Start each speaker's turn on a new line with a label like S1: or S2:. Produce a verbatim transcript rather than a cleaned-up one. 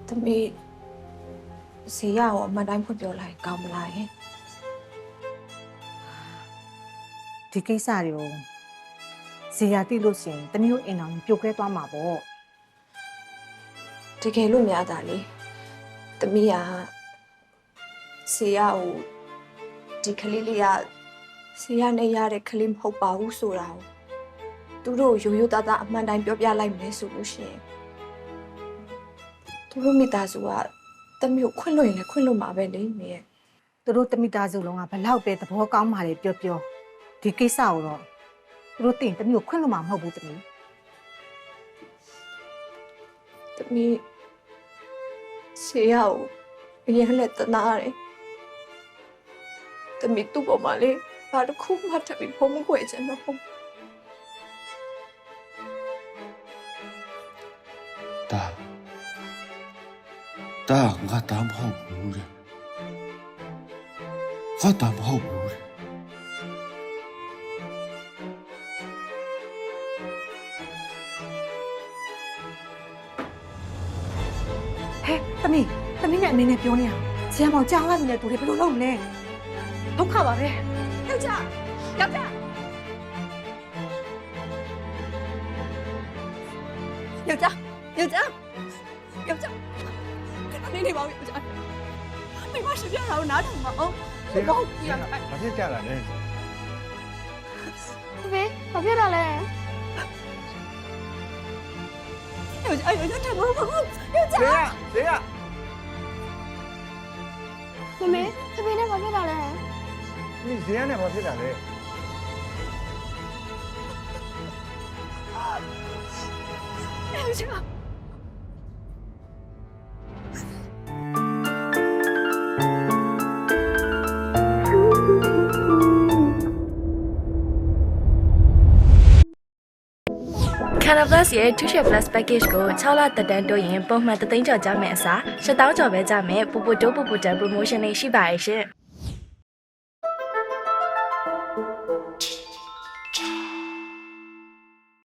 S1: သမီးဈေးရအောင်အမှန်တိုင်းဖွင့်ပြောလိုက်ကောင်းမလားဟင်
S2: ဒီကိစ္စတွေကိုဇေယျတိလို့ရှိရင်တမျိုးအိမ်အောင်ပြုတ်ခဲသွားမှာပေါ့
S1: တကယ်လို့များတာလေသမီးကဈေးရကိုဒီကလေးလေးကဈေးရနဲ့ရတဲ့ကလေးမဟုတ်ပါဘူးဆိုတာကိုသူတို့ရိုးရိုးသားသားအမှန်တိုင်းပြောပြလိုက်မယ်ဆိုလို့ရှိရင်သူတို့မိသားစုကသမီးကိုခွင့်လို့ရင်လည်းခွင့်လို့မှာပဲလေမင်းရဲ့
S2: သူတို့တမိသားစုလုံးကဘလောက်ပဲသဘောကောင်းပါလေပြောပြောဒီကိစ္စကိုတော့သူတို့တင်တမျိုးခွင့်လို့မှာမဟုတ်ဘူးတမီး
S1: သမီးဈေးရကိုအရင်နဲ့တနာရတယ်သမီးသူ့ပေါ်မှာလေဘာတစ်ခုမှထပ်ပြီးဖုံးမခွေချင်တော့ဘူး
S3: တာတာငါတာမဟုတ်ဘူးလေငါတာမဟုတ်ဘူးလေ
S2: ဟဲ့တမီးတမီးနဲ့အမေနဲ့ပြောနေရအောင်ဇေယျမောင်ကြားလိုက်ပြီလေသူတွေဘယ်လိုလုပ်မလဲဒုက္ခပါပဲ
S1: ယောက်ျားယောက်ျားယောက်ျားယောက်ျားယောက်ျားခဏနေနေပါဦးယောက်ျားမိမရှိပြတာကိုနားထောင်ပါအောင်
S4: 谁让？谁让？把这家来人。
S5: ဖေဘာဖြစ်တာလဲ
S1: ယောက်ျားယောက်ျားထပ်လို့ယောက်ျား
S4: 谁呀？谁呀？
S5: မမေဖေဖေနဲ့ဘာဖြစ်တာလဲ
S4: 你谁呀？那把这家来？
S1: ယောက်ျား
S6: Canal Plus ရဲ့ two share plus package ကိုsixလတက်တန်းတိုးရင်ပုံမှန်တသိန်းကျော်ကြမယ်အစားseven thousandကျော်ပဲကြမယ်ပူပူတိုးပူပူတန် promotion တွေရှိပါရဲ့ရှင်။